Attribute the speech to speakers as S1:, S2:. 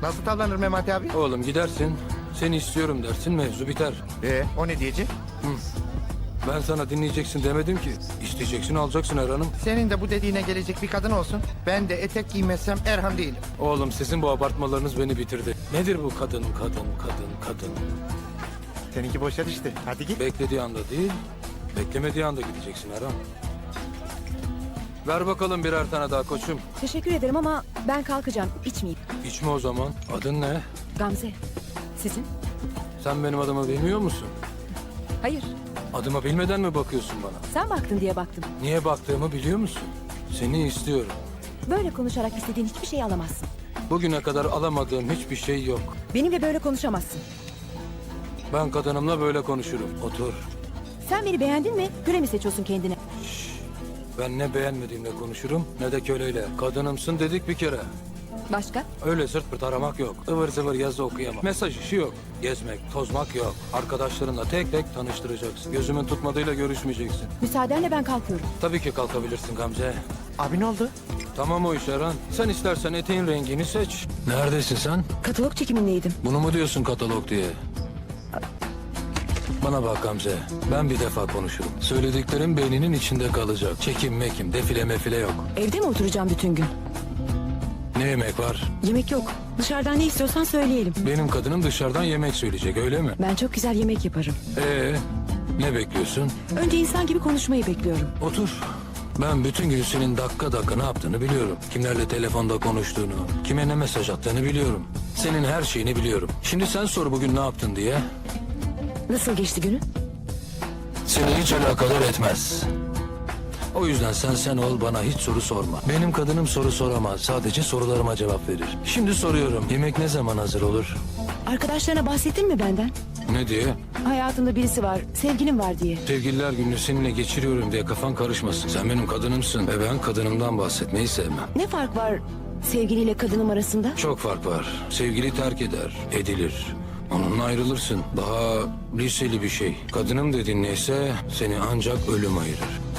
S1: Nasıl tavlanır Memati abi?
S2: Oğlum gidersin, seni istiyorum dersin, mevzu biter.
S1: O ne diyecek?
S2: Ben sana dinleyeceksin demedim ki. İsteyeceksin, alacaksın Erhan'ım.
S1: Senin de bu dediğine gelecek bir kadın olsun. Ben de etek giymezsem Erhan değilim.
S2: Oğlum sizin bu abartmalarınız beni bitirdi. Nedir bu kadın?
S1: Seninki boşa düştü. Hadi git.
S2: Beklediği anda değil, beklemediği anda gideceksin Erhan. Ver bakalım birer tane daha koçum.
S3: Teşekkür ederim ama ben kalkacağım. İçmeyeyim.
S2: İçme o zaman. Adın ne?
S3: Gamze. Sizin?
S2: Sen benim adımı bilmiyor musun?
S3: Hayır.
S2: Adımı bilmeden mi bakıyorsun bana?
S3: Sen baktın diye baktım.
S2: Niye baktığımı biliyor musun? Seni istiyorum.
S3: Böyle konuşarak istediğin hiçbir şeyi alamazsın.
S2: Bugüne kadar alamadığım hiçbir şey yok.
S3: Benimle böyle konuşamazsın.
S2: Ben kadınımla böyle konuşurum. Otur.
S3: Sen beni beğendin mi? Göre mi seçiyorsun kendine?
S2: Ben ne beğenmediğimle konuşurum ne de köleyle. Kadınımsın dedik bir kere.
S3: Başka?
S2: Öyle sırt pırt aramak yok. Ivır zıvır yazı okuyamam. Mesaj işi yok. Gezmek, tozmak yok. Arkadaşlarınla tek tek tanıştıracaksın. Gözümün tutmadığıyla görüşmeyeceksin.
S3: Müsaadenle ben kalkıyorum.
S2: Tabii ki kalkabilirsin Gamze.
S1: Abi ne oldu?
S2: Tamam o iş Erhan. Sen istersen eteğin rengini seç. Neredesin sen?
S3: Katalog çekimindeydim.
S2: Bunu mu diyorsun katalog diye? Bana bak Gamze. Ben bir defa konuşurum. Söylediklerim beyninin içinde kalacak. Çekim mekim, defile mefile yok.
S3: Evde mi oturacağım bütün gün?
S2: Ne yemek var?
S3: Yemek yok. Dışarıdan ne istiyorsan söyleyelim.
S2: Benim kadınım dışarıdan yemek söyleyecek öyle mi?
S3: Ben çok güzel yemek yaparım.
S2: Ne bekliyorsun?
S3: Önce insan gibi konuşmayı bekliyorum.
S2: Otur. Ben bütün gün senin dakika dakika ne yaptığını biliyorum. Kimlerle telefonda konuştuğunu, kime ne mesaj attığını biliyorum. Senin her şeyini biliyorum. Şimdi sen sor bugün ne yaptın diye.
S3: Nasıl geçti günün?
S2: Seni hiç alakadar etmez. O yüzden sen ol, bana hiç soru sorma. Benim kadınım soru soramaz. Sadece sorularıma cevap verir. Şimdi soruyorum. Yemek ne zaman hazır olur?
S3: Arkadaşlarına bahsettin mi benden?
S2: Ne diye?
S3: Hayatında birisi var, sevgilim var diye.
S2: Sevgililer gününü seninle geçiriyorum diye kafan karışmasın. Sen benim kadınımsın ve ben kadınımdan bahsetmeyi sevmem.
S3: Ne fark var sevgiliyle kadınım arasında?
S2: Çok fark var. Sevgili terk eder, edilir. Onunla ayrılırsın. Daha liseli bir şey. Kadınım dediğin neyse seni ancak ölüm ayırır.